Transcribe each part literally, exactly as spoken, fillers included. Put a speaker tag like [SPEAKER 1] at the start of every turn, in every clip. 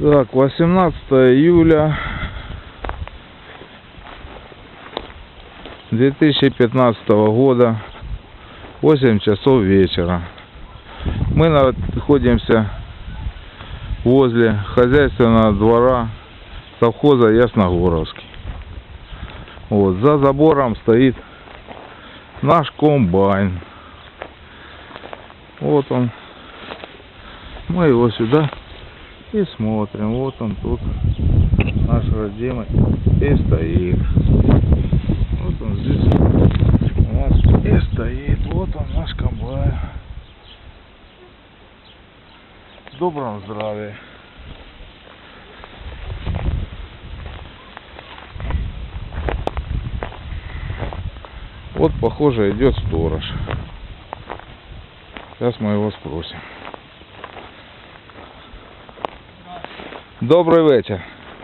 [SPEAKER 1] Так, восемнадцатое июля две тысячи пятнадцатого года, восемь часов вечера. Мы находимся возле хозяйственного двора совхоза Ясногоровский. Вот, за забором стоит наш комбайн. Вот он. Мы его сюда и смотрим. Вот он тут, наш родимый, и стоит. Вот он здесь у нас и стоит. Вот он, наш комбайн. В добром здравии. Вот, похоже, идет сторож. Сейчас мы его спросим. Добрый вечер.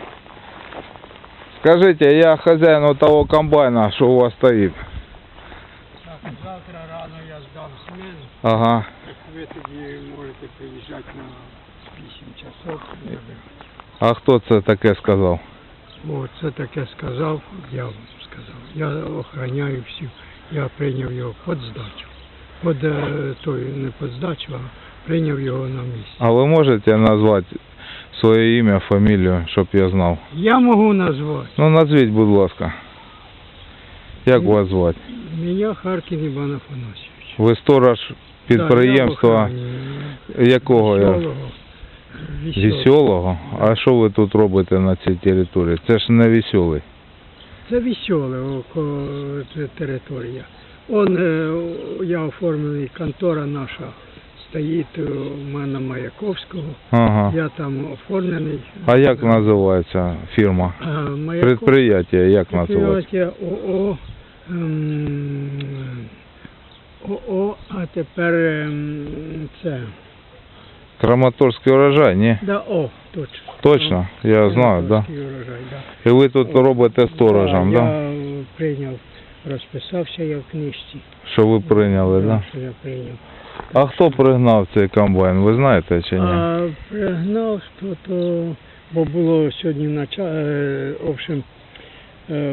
[SPEAKER 1] Скажите, я хозяин вот того комбайна, что у вас стоит.
[SPEAKER 2] Так, завтра рано я здам смену.
[SPEAKER 1] Ага.
[SPEAKER 2] Ви тоді можете приїжджати на вісім часов.
[SPEAKER 1] А хто це таке сказав?
[SPEAKER 2] О, це таке сказав, я вам сказав. Я охороняю всю. Я прийняв його під здачу. Під, е, той, не під здачу, а прийняв його на місці.
[SPEAKER 1] А ви можете назвати своє ім'я, фамілію, щоб я знав?
[SPEAKER 2] Я можу назвати.
[SPEAKER 1] Ну, назвіть, будь ласка. Як вас звати?
[SPEAKER 2] Мене Харкін Іван Афанасьович.
[SPEAKER 1] Ви сторож підприємства якого?
[SPEAKER 2] Веселого.
[SPEAKER 1] Веселого? А що ви тут робите на цій території? Це ж не веселий.
[SPEAKER 2] Це веселе около територія. Он, е, я оформлений, контора наша стоїть у мене Маяковського.
[SPEAKER 1] Ага.
[SPEAKER 2] Я там оформлений.
[SPEAKER 1] А як називається фірма?
[SPEAKER 2] А, Маяков...
[SPEAKER 1] Предприятие як називається?
[SPEAKER 2] Предприятие ОО. Ем... ОО, а тепер ем... це...
[SPEAKER 1] Краматорський урожай, ні?
[SPEAKER 2] Да, о, точно.
[SPEAKER 1] Точно? Я знаю, да?
[SPEAKER 2] Урожай, да.
[SPEAKER 1] І ви тут робите сторожем,
[SPEAKER 2] да?
[SPEAKER 1] да?
[SPEAKER 2] Я прийняв, розписався я в книжці.
[SPEAKER 1] Що ви прийняли, да?
[SPEAKER 2] Що я прийняв.
[SPEAKER 1] А хто пригнав цей комбайн, ви знаєте чи ні?
[SPEAKER 2] А пригнав, що то, бо було сьогодні начало, е, в общем, е,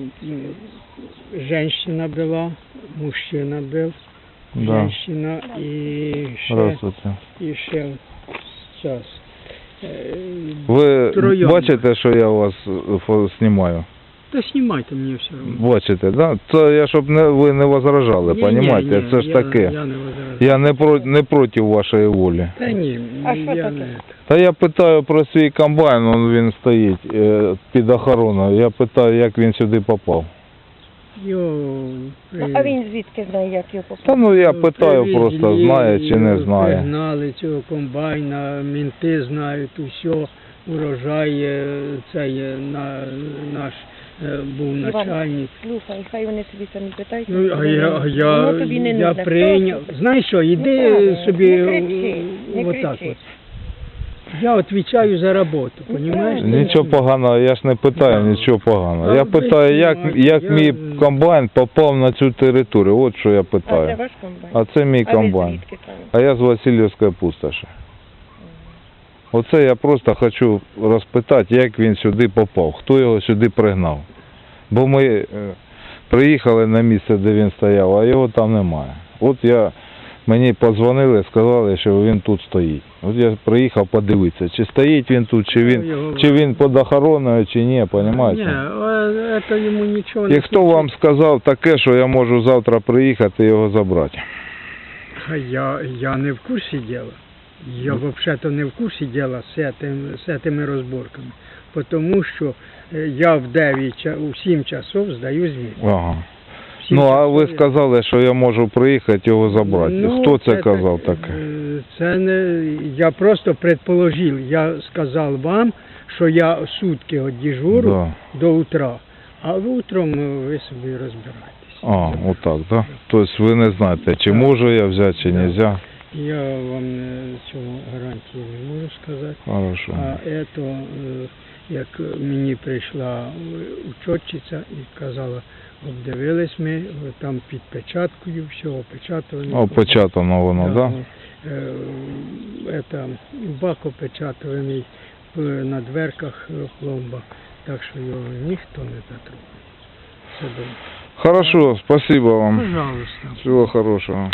[SPEAKER 2] женщина була, мужчина був,
[SPEAKER 1] Да.
[SPEAKER 2] женщина і ще,
[SPEAKER 1] Здравствуйте.
[SPEAKER 2] і ще час. Е,
[SPEAKER 1] Ви
[SPEAKER 2] троєм.
[SPEAKER 1] бачите, що я вас фо- знімаю?
[SPEAKER 2] Та знімайте мені все одно.
[SPEAKER 1] Бачите, да? Це я, щоб не, ви не возражали,
[SPEAKER 2] Ні,
[SPEAKER 1] понімаєте?
[SPEAKER 2] ні,
[SPEAKER 1] Це ж
[SPEAKER 2] я,
[SPEAKER 1] таке.
[SPEAKER 2] Я не возражаю.
[SPEAKER 1] Я не, про, не проти вашої волі.
[SPEAKER 2] Та ні,
[SPEAKER 3] А що
[SPEAKER 2] я
[SPEAKER 3] таке?
[SPEAKER 2] не...
[SPEAKER 1] Та я питаю про свій комбайн, он він стоїть е, під охороною. Я питаю, як він сюди попав.
[SPEAKER 2] Йо,
[SPEAKER 3] Ну, а він звідки знає, як його попав?
[SPEAKER 1] Та ну я питаю
[SPEAKER 2] привезли,
[SPEAKER 1] просто, знає чи не знає.
[SPEAKER 2] Пригнали цього комбайна, мінти знають усе, урожай, е, це є на, наш е, був начальник.
[SPEAKER 3] Слухай, хай вони собі самі питають.
[SPEAKER 2] Ну, а я, а я,
[SPEAKER 3] Воно тобі не
[SPEAKER 2] я
[SPEAKER 3] нужне.
[SPEAKER 2] прийняв.
[SPEAKER 3] Просто.
[SPEAKER 2] Знаєш що, іди
[SPEAKER 3] Неправильно.
[SPEAKER 2] собі
[SPEAKER 3] Не кричи, не
[SPEAKER 2] отак
[SPEAKER 3] кричи.
[SPEAKER 2] от. Я відповідаю за роботу, розумієш?
[SPEAKER 1] Нічого поганого, я ж не питаю нічого поганого.
[SPEAKER 2] Та
[SPEAKER 1] Я
[SPEAKER 2] ви
[SPEAKER 1] питаю, як,
[SPEAKER 2] знімайте,
[SPEAKER 1] як
[SPEAKER 2] я-
[SPEAKER 1] мій комбайн попав на цю територію. От що я
[SPEAKER 3] А це
[SPEAKER 1] питаю.
[SPEAKER 3] ваш комбайн?
[SPEAKER 1] А це мій
[SPEAKER 3] А ви
[SPEAKER 1] комбайн.
[SPEAKER 3] звідки там?
[SPEAKER 1] А я з Васильівської пустоші. Оце я просто хочу розпитати, як він сюди попав, хто його сюди пригнав. Бо ми е, приїхали на місце, де він стояв, а його там немає. От я, мені подзвонили, сказали, що він тут стоїть. От я приїхав подивитися, чи стоїть він тут, чи він,
[SPEAKER 2] Його-
[SPEAKER 1] чи він під охороною, чи ні, розумієте?
[SPEAKER 2] Ні, а це йому нічого не
[SPEAKER 1] І хто вам сказав таке, що я можу завтра приїхати і його забрати?
[SPEAKER 2] А Я, я не в курсі діла. Я взагалі не в курсі діла з, этим, з цими розборками. Тому що е, я в дев'ять, ча- у сім часов здаю звіт.
[SPEAKER 1] Ага.
[SPEAKER 2] В сім
[SPEAKER 1] Ну, а ви
[SPEAKER 2] часов я-
[SPEAKER 1] сказали, що я можу приїхати його забрати.
[SPEAKER 2] Ну,
[SPEAKER 1] Хто це
[SPEAKER 2] так,
[SPEAKER 1] казав
[SPEAKER 2] е,
[SPEAKER 1] таке?
[SPEAKER 2] Це не, я просто предположив. Я сказав вам, що я сутки от дежурю
[SPEAKER 1] Да.
[SPEAKER 2] до утра, а утром е, ви собі розбираєтесь.
[SPEAKER 1] А, отак, да? Тобто ви не знаєте, чи можу я взяти, чи не можу.
[SPEAKER 2] Я вам е, цього гарантії не можу сказати.
[SPEAKER 1] Хорошо.
[SPEAKER 2] А це, е, як мені прийшла учетчиця і казала, обдивились ми, там під печаткою, все опечатано.
[SPEAKER 1] Опечатано воно, да?
[SPEAKER 2] Е, Это, бак опечатаний, е, на дверках е, пломба, так що його ніхто не затрогає. Це добре.
[SPEAKER 1] Хорошо, спасибо вам.
[SPEAKER 2] Пожалуйста.
[SPEAKER 1] Всего хорошего.